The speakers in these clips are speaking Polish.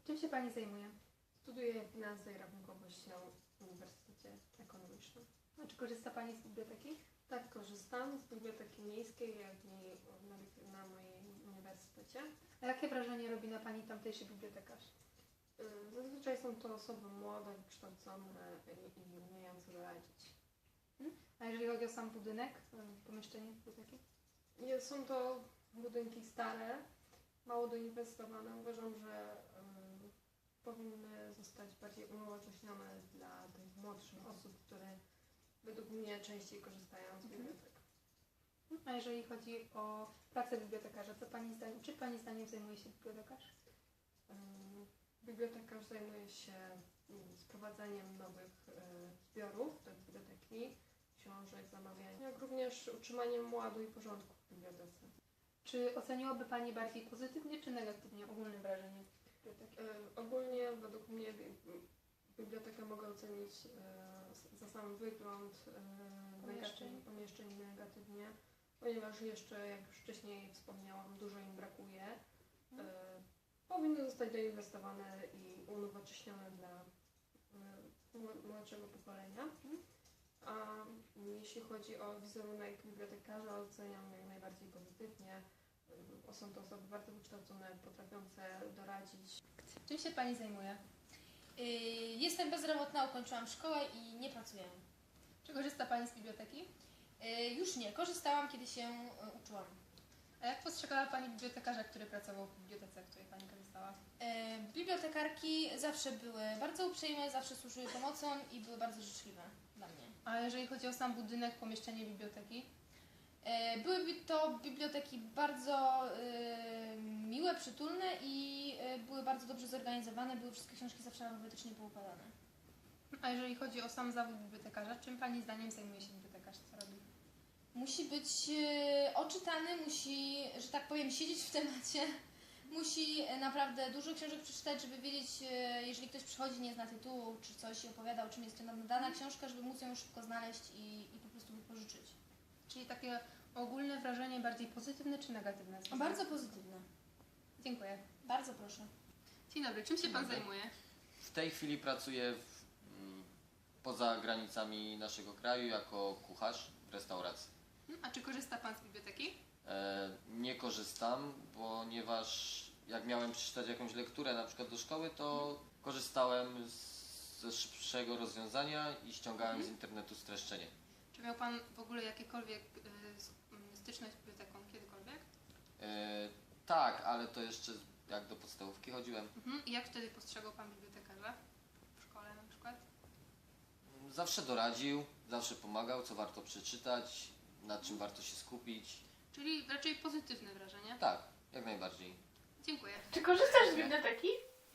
Czym się Pani zajmuje? Studiuję finanse i rachunkowość na Uniwersytecie Ekonomicznym. A czy korzysta Pani z biblioteki? Tak, korzystam z biblioteki miejskiej, jak i na moim uniwersytecie. A jakie wrażenie robi na Pani tamtejszy bibliotekarz? Zazwyczaj są to osoby młode, wykształcone i umiejące doradzić. A jeżeli chodzi o sam budynek, pomieszczenie biblioteki? Są to budynki stare, mało doinwestowane. Uważam, że powinny zostać bardziej unowocześnione dla tych młodszych osób, które według mnie częściej korzystają z bibliotek. A jeżeli chodzi o pracę bibliotekarza, czy Pani zdaniem zajmuje się bibliotekarz? Bibliotekarz zajmuje się sprowadzaniem nowych zbiorów do biblioteki, książek, zamawianiem, jak również utrzymaniem ładu i porządku w bibliotece. Czy oceniłaby Pani bardziej pozytywnie czy negatywnie ogólne wrażenie biblioteki? Ogólnie według mnie bibliotekę mogę ocenić za sam wygląd pomieszczeń negatywnie, ponieważ jeszcze, jak już wcześniej wspomniałam, dużo im brakuje. Powinny zostać doinwestowane i unowocześnione dla młodszego pokolenia. A jeśli chodzi o wizerunek bibliotekarza, oceniam jak najbardziej pozytywnie. Są to osoby bardzo wykształcone, potrafiące doradzić. Czym się Pani zajmuje? Jestem bezrobotna, ukończyłam szkołę i nie pracuję. Czy korzysta Pani z biblioteki? Już nie, korzystałam, kiedy się uczyłam. A jak postrzegała Pani bibliotekarza, który pracował w bibliotece, w której Pani korzystała? Bibliotekarki zawsze były bardzo uprzejme, zawsze służyły pomocą i były bardzo życzliwe dla mnie. A jeżeli chodzi o sam budynek, pomieszczenie biblioteki? Były to biblioteki bardzo miłe, przytulne i były bardzo dobrze zorganizowane, były wszystkie książki zawsze alfabetycznie poukładane. A jeżeli chodzi o sam zawód bibliotekarza, czym Pani zdaniem zajmuje się bibliotekarz? Co robi? Musi być oczytany, musi, że tak powiem, siedzieć w temacie. Musi naprawdę dużo książek przeczytać, żeby wiedzieć, jeżeli ktoś przychodzi, nie zna tytułu, czy coś i opowiada, o czym jest dana książka, żeby móc ją szybko znaleźć i po prostu wypożyczyć. Czyli takie ogólne wrażenie bardziej pozytywne czy negatywne? Bardzo pozytywne. Dziękuję. Bardzo proszę. Dzień dobry, czym się Pan zajmuje? W tej chwili pracuję poza granicami naszego kraju jako kucharz w restauracji. A czy korzysta Pan z biblioteki? Nie korzystam, ponieważ jak miałem przeczytać jakąś lekturę na przykład do szkoły, to korzystałem ze szybszego rozwiązania i ściągałem z internetu streszczenie. Czy miał Pan w ogóle jakiekolwiek styczność z biblioteką kiedykolwiek? Tak, ale to jeszcze jak do podstawówki chodziłem. I jak wtedy postrzegał Pan bibliotekarza? W szkole na przykład? Zawsze doradził, zawsze pomagał, co warto przeczytać, nad czym warto się skupić. Czyli raczej pozytywne wrażenie? Tak, jak najbardziej. Dziękuję. Czy korzystasz z biblioteki?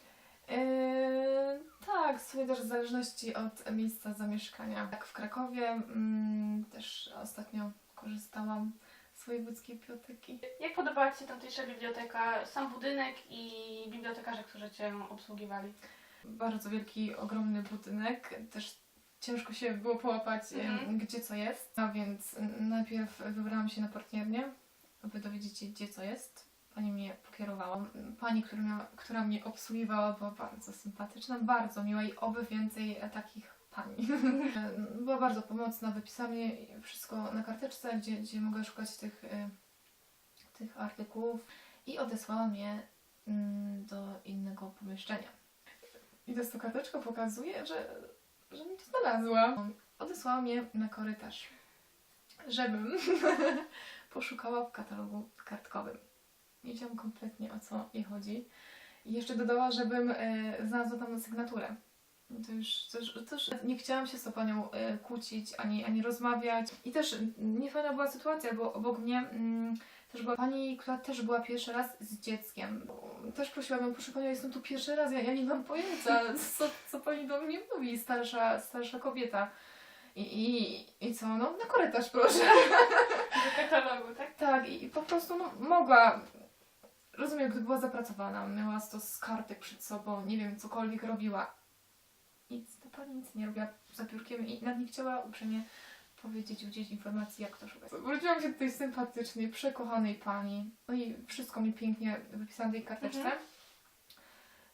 Tak, sobie też w zależności od miejsca zamieszkania. Tak, w Krakowie też ostatnio korzystałam z wojewódzkiej biblioteki. Jak podobała Ci się tamtejsza biblioteka, sam budynek i bibliotekarze, którzy Cię obsługiwali? Bardzo wielki, ogromny budynek, też ciężko się było połapać, gdzie co jest. A więc najpierw wybrałam się na partnernię, aby dowiedzieć się, gdzie co jest. Pani mnie pokierowała. Pani, która mnie obsługiwała, była bardzo sympatyczna, bardzo miła i oby więcej takich pani. Była bardzo pomocna, wypisała mi wszystko na karteczce, gdzie mogę szukać tych artykułów i odesłała mnie do innego pomieszczenia. I to karteczka pokazuje, że mi to znalazła. Odesłała mnie na korytarz, żebym poszukała w katalogu kartkowym. Nie wiedziałam kompletnie, o co jej chodzi. I jeszcze dodała, żebym znalazła tam sygnaturę. To już nie chciałam się z tą panią kłócić, ani rozmawiać. I też niefajna była sytuacja, bo obok mnie też była pani, która też była pierwszy raz z dzieckiem. Też prosiłam ją, proszę panią, jestem tu pierwszy raz, ja nie mam pojęcia, co pani do mnie mówi, starsza kobieta. I co? No, na korytarz proszę. Do katalogu, tak? Tak, i po prostu mogła. Rozumiem, gdy była zapracowana, miała stos kartek przed sobą, nie wiem, cokolwiek robiła. I ta pani nic nie robiła za biurkiem i nawet nie chciała uprzejmie powiedzieć, udzielić informacji, jak to szukać. Wróciłam się do tej sympatycznej, przekochanej pani. No i wszystko mi pięknie wypisałam w tej karteczce.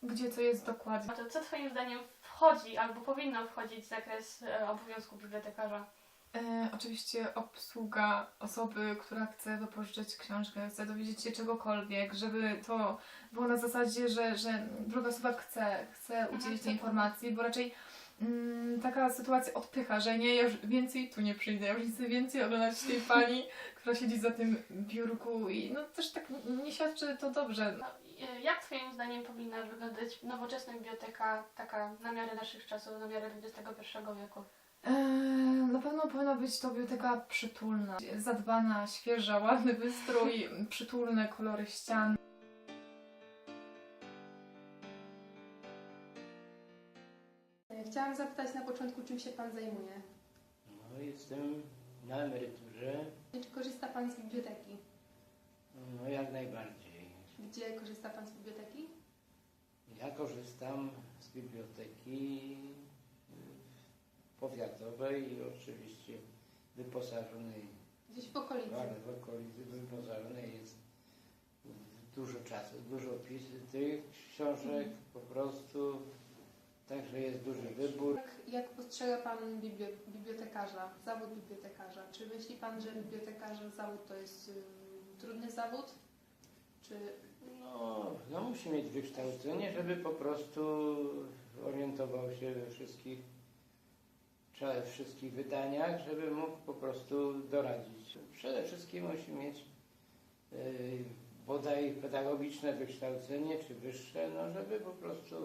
gdzie co jest dokładnie. A to co Twoim zdaniem wchodzi albo powinno wchodzić w zakres obowiązku bibliotekarza? Oczywiście obsługa osoby, która chce wypożyczyć książkę, chce dowiedzieć się czegokolwiek, żeby to było na zasadzie, że druga osoba chce udzielić tej informacji, bo raczej taka sytuacja odpycha, że nie, ja już więcej tu nie przyjdę, ja już nie chcę więcej oglądać tej pani, która siedzi za tym biurku i no też tak nie świadczy to dobrze. No, jak Twoim zdaniem powinna wyglądać nowoczesna biblioteka, taka na miarę naszych czasów, na miarę XXI wieku? Na pewno powinna być to biblioteka przytulna, zadbana, świeża, ładny wystrój, przytulne kolory ścian. Chciałam zapytać na początku, czym się Pan zajmuje? No, jestem na emeryturze, Czy korzysta Pan z biblioteki? no jak najbardziej. Gdzie korzysta Pan z biblioteki? Ja korzystam z biblioteki powiatowej i oczywiście wyposażonej, Gdzieś w okolicy. ale w okolicy wyposażonej jest dużo czasu, dużo tych książek po prostu, także jest duży wybór. Jak postrzega Pan bibliotekarza, zawód bibliotekarza? Czy myśli Pan, że bibliotekarza zawód to jest trudny zawód? Czy No musi mieć wykształcenie, żeby po prostu orientował się we wszystkich wydaniach, żeby mógł po prostu doradzić. Przede wszystkim musi mieć bodaj pedagogiczne wykształcenie, czy wyższe, no żeby po prostu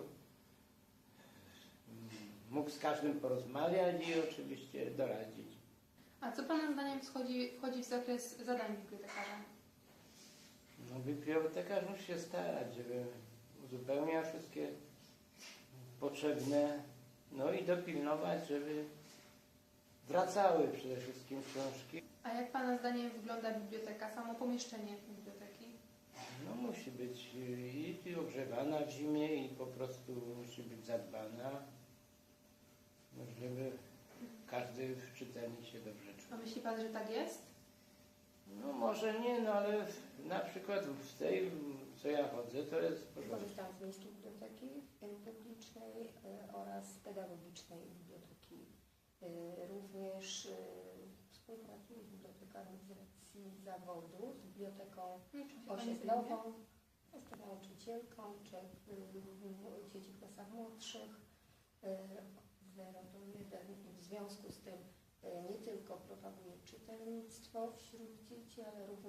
mógł z każdym porozmawiać i oczywiście doradzić. a co Pana zdaniem wchodzi w zakres zadań bibliotekarza? No bibliotekarz musi się starać, żeby uzupełniał wszystkie potrzebne, no i dopilnować, żeby wracały przede wszystkim książki. A jak Pana zdaniem wygląda biblioteka, samo pomieszczenie biblioteki? No musi być i ogrzewana w zimie i po prostu musi być zadbana, no, żeby każdy czytelnik się dobrze A czuł. myśli Pan, że tak jest? No może nie, no ale na przykład w tej, co ja chodzę, to jest w porządku. Korzystam z Miejskiej Biblioteki Publicznej oraz Pedagogicznej Biblioteki. Również współpracuję z bibliotekarzem z racji zawodu, z biblioteką Czym się Pani zajmuje? osiedlową. Jestem nauczycielką, dzieci w klasach młodszych, 0 do 1. W związku z tym nie tylko propaguję czytelnictwo wśród dzieci,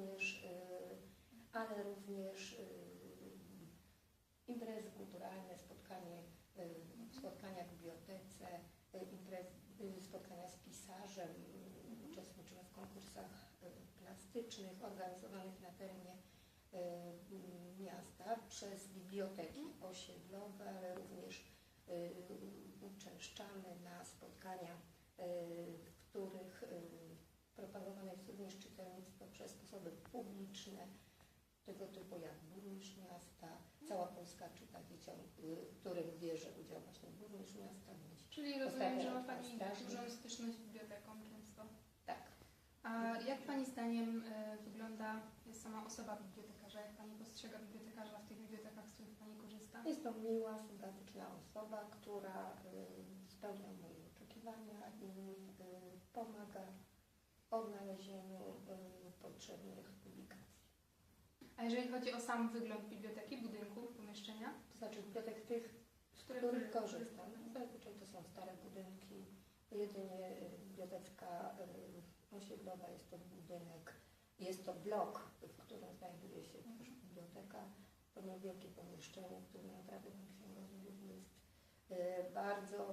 ale również imprezy kulturalne, spotkania w bibliotece, spotkania z pisarzem, uczestniczymy w konkursach plastycznych organizowanych na terenie miasta przez biblioteki osiedlowe, ale również uczęszczamy na spotkania, w których propagowane jest również czytelnictwo przez osoby publiczne, tego typu jak burmistrz miasta, cała Polska czyta dzieciom, których bierze udział właśnie burmistrz miasta. Czyli rozumiem, że ma Ostatnio Pani strażnik. dużą styczność z biblioteką często. Tak. A jak Pani zdaniem wygląda sama osoba bibliotekarza? Jak Pani postrzega bibliotekarza w tych bibliotekach, z których Pani korzysta? Jest to miła, sympatyczna osoba, która spełnia moje oczekiwania i pomaga w odnalezieniu potrzebnych publikacji. A jeżeli chodzi o sam wygląd biblioteki, budynku, pomieszczenia? To znaczy bibliotek tych, z których korzystam. Zazwyczaj to są stare budynki. Jedynie biblioteka osiedlowa jest to budynek, jest to blok, w którym znajduje się też biblioteka. To niewielkie pomieszczenie, które naprawdę ten księgowy jest bardzo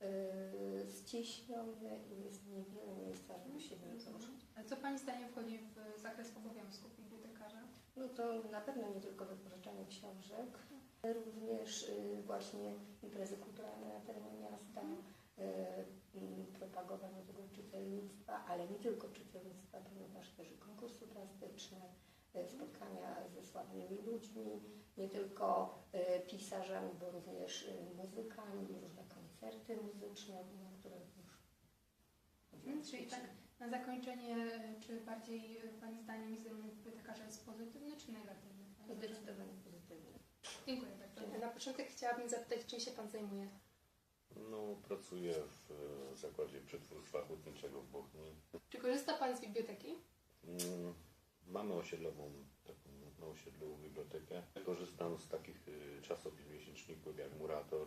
ściśnione i jest niewiele miejsca, żeby się w nim poruszać. A co Pani zdaniem wchodzi w zakres obowiązków bibliotekarza? No to na pewno nie tylko wypożyczanie książek, również właśnie imprezy kulturalne na terenie miasta, propagowanie tego czytelnictwa, ale nie tylko czytelnictwa, ponieważ też i konkursy plastyczne, spotkania ze sławnymi ludźmi, nie tylko pisarzami, bo również muzykami, różne koncerty muzyczne, na które już Czyli tak na zakończenie, czy bardziej Pani zdaniem wizerunek bibliotekarza jest pozytywny czy negatywny? zdecydowanie pozytywne. Dziękuję bardzo. Na początek chciałabym zapytać, czym się Pan zajmuje? No, pracuję w Zakładzie Przetwórstwa Hutniczego w Bochni. Czy korzysta Pan z biblioteki? Mamy osiedlową, taką na osiedlu bibliotekę. Korzystam z takich czasopism miesięczników jak Murator,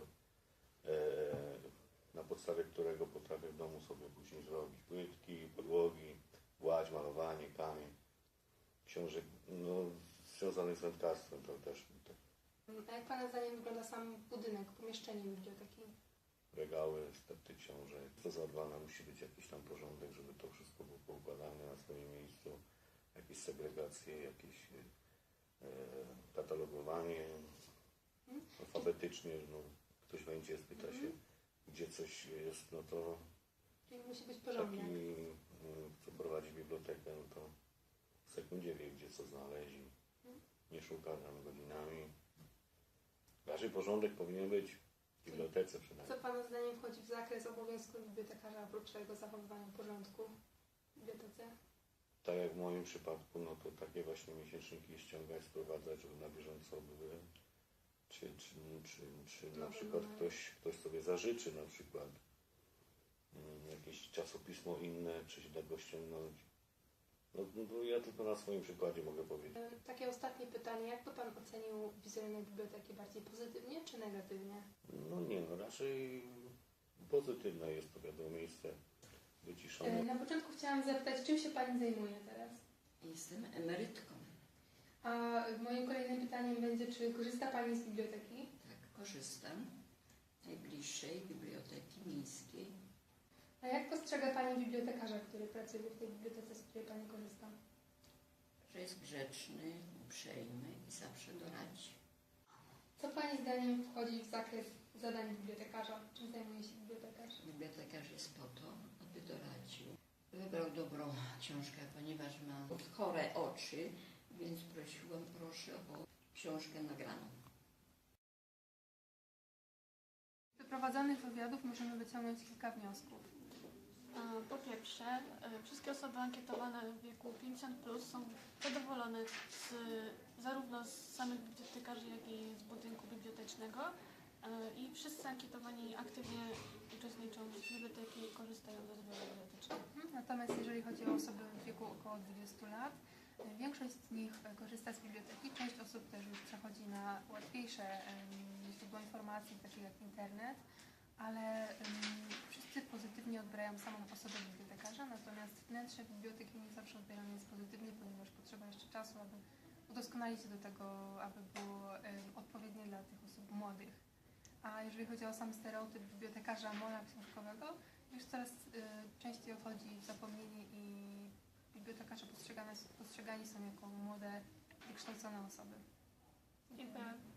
na podstawie którego potrafię w domu sobie później zrobić płytki, podłogi, gładź, malowanie, kamień, książek związanych z wędkarstwem, to też A jak Pana zdaniem wygląda sam budynek, pomieszczenie biblioteki? regały, stepty książek. To zadbane musi być jakiś tam porządek, żeby to wszystko było poukładane na swoim miejscu. Jakieś segregacje, jakieś katalogowanie alfabetycznie. No, ktoś wejdzie, spyta się, gdzie coś jest, no to Czyli musi być taki, porządek. kto prowadzi bibliotekę, no to w sekundzie wie, gdzie co znaleźć. Nie szuka tam godzinami. Raczej porządek powinien być w bibliotece przynajmniej. Co Pana zdaniem wchodzi w zakres obowiązku bibliotekarza oprócz tego zachowywania porządku w bibliotece? Tak jak w moim przypadku, no to takie właśnie miesięczniki ściągać, sprowadzać, żeby na bieżąco były. Czy na przykład ktoś sobie zażyczy na przykład jakieś czasopismo inne, czy się da go ściągnąć. No ja tylko na swoim przykładzie mogę powiedzieć. Takie ostatnie pytanie. Jak by Pan ocenił wizerunek biblioteki? Bardziej pozytywnie czy negatywnie? No nie, no raczej pozytywne jest to, wiadomo, miejsce wyciszone. Na początku chciałam zapytać, czym się Pani zajmuje teraz? Jestem emerytką. A moim kolejnym pytaniem będzie, czy korzysta Pani z biblioteki? Tak, korzystam z najbliższej biblioteki miejskiej. A jak postrzega Pani bibliotekarza, który pracuje w tej bibliotece, z której Pani korzysta? Że jest grzeczny, uprzejmy i zawsze doradzi. Co Pani zdaniem wchodzi w zakres zadań bibliotekarza? Czym zajmuje się bibliotekarz? Bibliotekarz jest po to, aby doradził. Wybrał dobrą książkę, ponieważ mam chore oczy, więc proszę o książkę nagraną. Z przeprowadzonych wywiadów możemy wyciągnąć kilka wniosków. Po pierwsze, wszystkie osoby ankietowane w wieku 50+ są zadowolone zarówno z samych bibliotekarzy, jak i z budynku bibliotecznego i wszyscy ankietowani aktywnie uczestniczą w biblioteki i korzystają ze zbioru bibliotecznego. Natomiast jeżeli chodzi o osoby w wieku około 20 lat, większość z nich korzysta z biblioteki, część osób też już przechodzi na łatwiejsze źródła informacji, takie jak internet, ale wszyscy pozytywnie odbierają samą osobę bibliotekarza, natomiast wnętrze biblioteki nie zawsze odbierane jest pozytywnie, ponieważ potrzeba jeszcze czasu, aby udoskonalić się do tego, aby było odpowiednie dla tych osób młodych. A jeżeli chodzi o sam stereotyp bibliotekarza mola książkowego, już coraz częściej odchodzi w zapomnienie i bibliotekarze postrzegani są jako młode, wykształcone osoby. Dziękuję.